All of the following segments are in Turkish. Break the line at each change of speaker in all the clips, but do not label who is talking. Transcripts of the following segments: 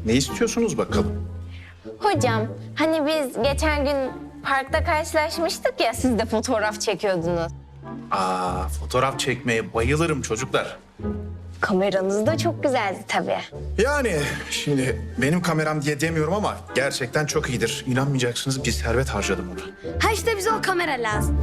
Ne istiyorsunuz bakalım?
Hocam, hani biz geçen gün parkta karşılaşmıştık ya, siz de fotoğraf çekiyordunuz.
Fotoğraf çekmeye bayılırım çocuklar.
Kameranız da çok güzeldi tabii.
Yani şimdi benim kameram diye demiyorum ama gerçekten çok iyidir. İnanmayacaksınız, bir servet harcadım ona.
Ha işte bize o kamera lazım.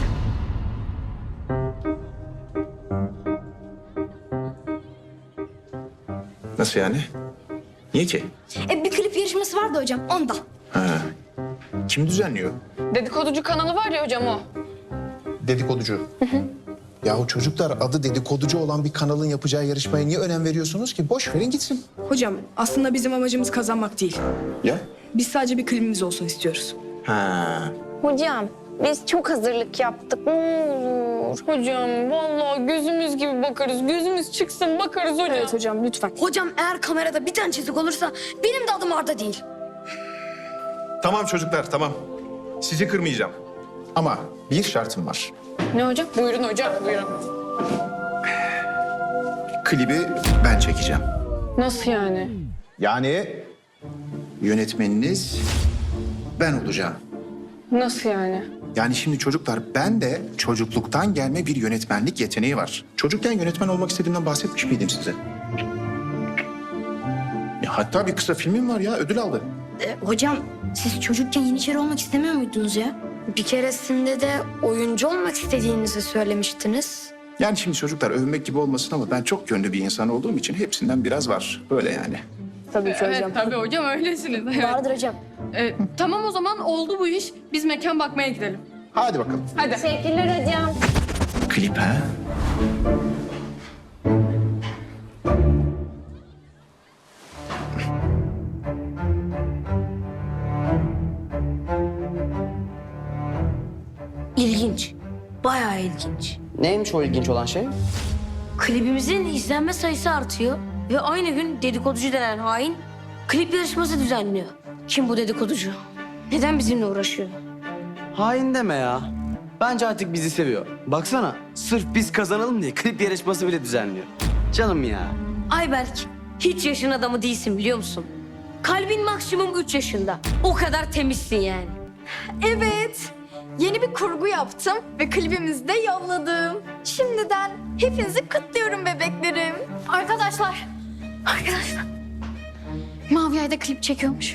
Nasıl yani? Niye ki?
Bir klip yarışması vardı hocam onda.
Kim düzenliyor?
Dedikoducu kanalı var ya hocam o.
Dedikoducu. Yahu çocuklar, adı dedikoducu olan bir kanalın yapacağı yarışmaya niye önem veriyorsunuz ki? Boş verin gitsin.
Hocam aslında bizim amacımız kazanmak değil.
Ya?
Biz sadece bir klibimiz olsun istiyoruz.
Hocam, biz çok hazırlık yaptık. Ne olur.
Hocam vallahi gözümüz gibi bakarız. Gözümüz çıksın bakarız hocam.
Evet hocam lütfen.
Hocam eğer kamerada bir tane çizik olursa benim de adım Arda değil.
Tamam çocuklar, tamam. Sizi kırmayacağım. Ama bir şartım var.
Ne hocam? Buyurun hocam buyurun.
Klibi ben çekeceğim.
Nasıl yani?
Yani yönetmeniniz ben olacağım.
Nasıl yani?
Yani şimdi çocuklar, ben de çocukluktan gelme bir yönetmenlik yeteneği var. Çocukken yönetmen olmak istediğimden bahsetmiş miydim size? Ya hatta bir kısa filmim var ya, ödül aldı.
Hocam siz çocukken Yeniçeri olmak istemiyor muydunuz ya? Bir keresinde de oyuncu olmak istediğinizi söylemiştiniz.
Yani şimdi çocuklar, övmek gibi olmasın ama ben çok yönlü bir insan olduğum için hepsinden biraz var. Böyle yani.
Tabii ki hocam.
Evet tabii hocam öylesiniz. Evet.
Vardır hocam.
Tamam o zaman oldu bu iş. Biz mekan bakmaya gidelim.
Hadi bakalım.
Hadi.
Teşekkürler hocam.
Klip ha?
İlginç. Bayağı ilginç.
Neymiş o ilginç olan şey?
Klibimizin izlenme sayısı artıyor. Ve aynı gün dedikoducu denen hain klip yarışması düzenliyor. Kim bu dedikoducu? Neden bizimle uğraşıyor?
Hain deme ya. Bence artık bizi seviyor. Baksana, sırf biz kazanalım diye klip yarışması bile düzenliyor. Canım ya.
Ayberk, hiç yaşın adamı değilsin biliyor musun? Kalbin maksimum 3 yaşında. O kadar temizsin yani.
Evet. Yeni bir kurgu yaptım ve klibimizi de yolladım. Şimdiden hepinizi kutluyorum bebeklerim. Arkadaşlar. Mavi Ay'da klip çekiyormuş.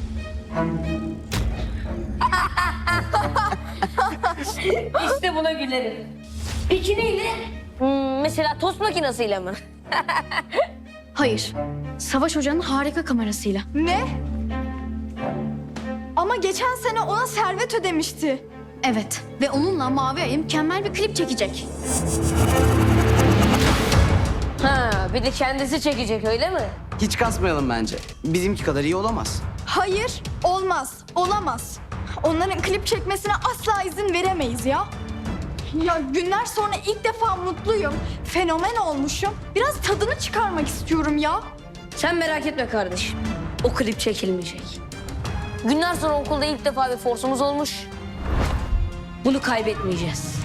İşte buna gülerim. Peki neyle? Mesela tost makinesiyle mi?
Hayır. Savaş Hoca'nın harika kamerasıyla. Ne? Ama geçen sene ona servet ödemişti. Evet. Ve onunla Mavi Ay'a mükemmel bir klip çekecek.
Ha, bir de kendisi çekecek öyle mi?
Hiç kasmayalım bence. Bizimki kadar iyi olamaz.
Hayır, olmaz, olamaz. Onların klip çekmesine asla izin veremeyiz ya. Ya günler sonra ilk defa mutluyum. Fenomen olmuşum. Biraz tadını çıkarmak istiyorum ya.
Sen merak etme kardeşim. O klip çekilmeyecek. Günler sonra okulda ilk defa bir forsumuz olmuş. Bunu kaybetmeyeceğiz.